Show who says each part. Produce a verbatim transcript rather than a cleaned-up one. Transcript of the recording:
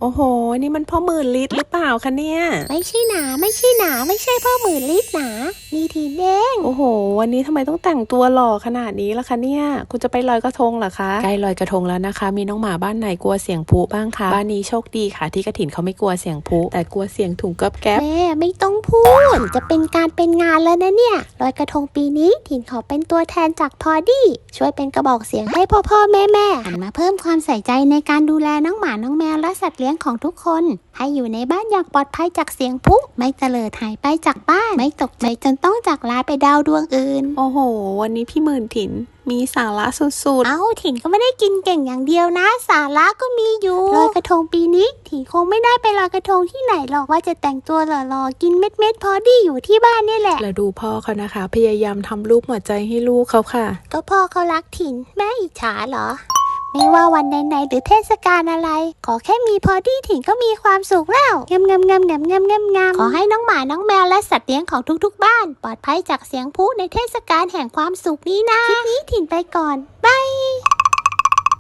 Speaker 1: โอ้โหนี่มันพ่อหมื่นลิตรหรือเปล่าคะเนี่ย
Speaker 2: ไม่ใช่หนาไม่ใช่หนาไม่ใช่พ่อหมื่นลิตรหนานี่ทีเด้ง
Speaker 1: โอ้โหวันนี้ทำไมต้องแต่งตัวหล่อขนาดนี้ล่ะคะเนี่ยคุณจะไปลอยกระทงเหรอคะใกล้ลอยกระทงแล้วนะคะมีน้องหมาบ้านไหนกลัวเสียงพลุบ้างคะบ้านนี้โชคดีค่ะที่กระถินเขาไม่กลัวเสียงพลุแต่กลัวเสียงถุงกับแก๊บ
Speaker 2: แม่ไม่ต้องพูดจะเป็นการเป็นงานแล้วนะเนี่ยลอยกระทงปีนี้ถิ่นขอเป็นตัวแทนจากพอดี้ช่วยเป็นกระบอกเสียงให้พ่อพ่อแม่แม่หันมาเพิ่มความใส่ใจในการดูแลน้องหมาน้องแมวและสัตว์เลี้ยงของทุกคนให้อยู่ในบ้านอย่างปลอดภัยจากเสียงพลุไม่เตลิดหายไปจากบ้านไม่ตกใจจนต้องจากลาไปดาวดวงอื่น
Speaker 1: โอ้โหวันนี้พี่หมื่นถินมีสาระสุดๆ
Speaker 2: เอ้าถิ่นก็ไม่ได้กินเก่งอย่างเดียวนะสาระก็มีอยู่ลอยกระทงปีนี้ถิ่นคงไม่ได้ไปลอยกระทงที่ไหนหรอกว่าจะแต่งตัวหล่อๆกินเม็ดเม็ดพอดี้อยู่ที่บ้านนี่แหละ
Speaker 1: แล้วดูพ่อเขานะคะพยายามทำรูปหัวใจให้ลูกเขาค่ะ
Speaker 2: ก็พ่อเขารักถิ่นแม่อิจฉาเหรอไม่ว่าวันไหนๆหรือเทศกาลอะไรขอแค่มีพอดี้ถิ่นก็มีความสุขแล้วงามงามงามงามงามงามงามขอให้น้องหมาน้องแมวและสัตว์เลี้ยงของทุกๆบ้านปลอดภัยจากเสียงพลุในเทศกาลแห่งความสุขนี้นะคลิปนี้ถิ่นไปก่อนบ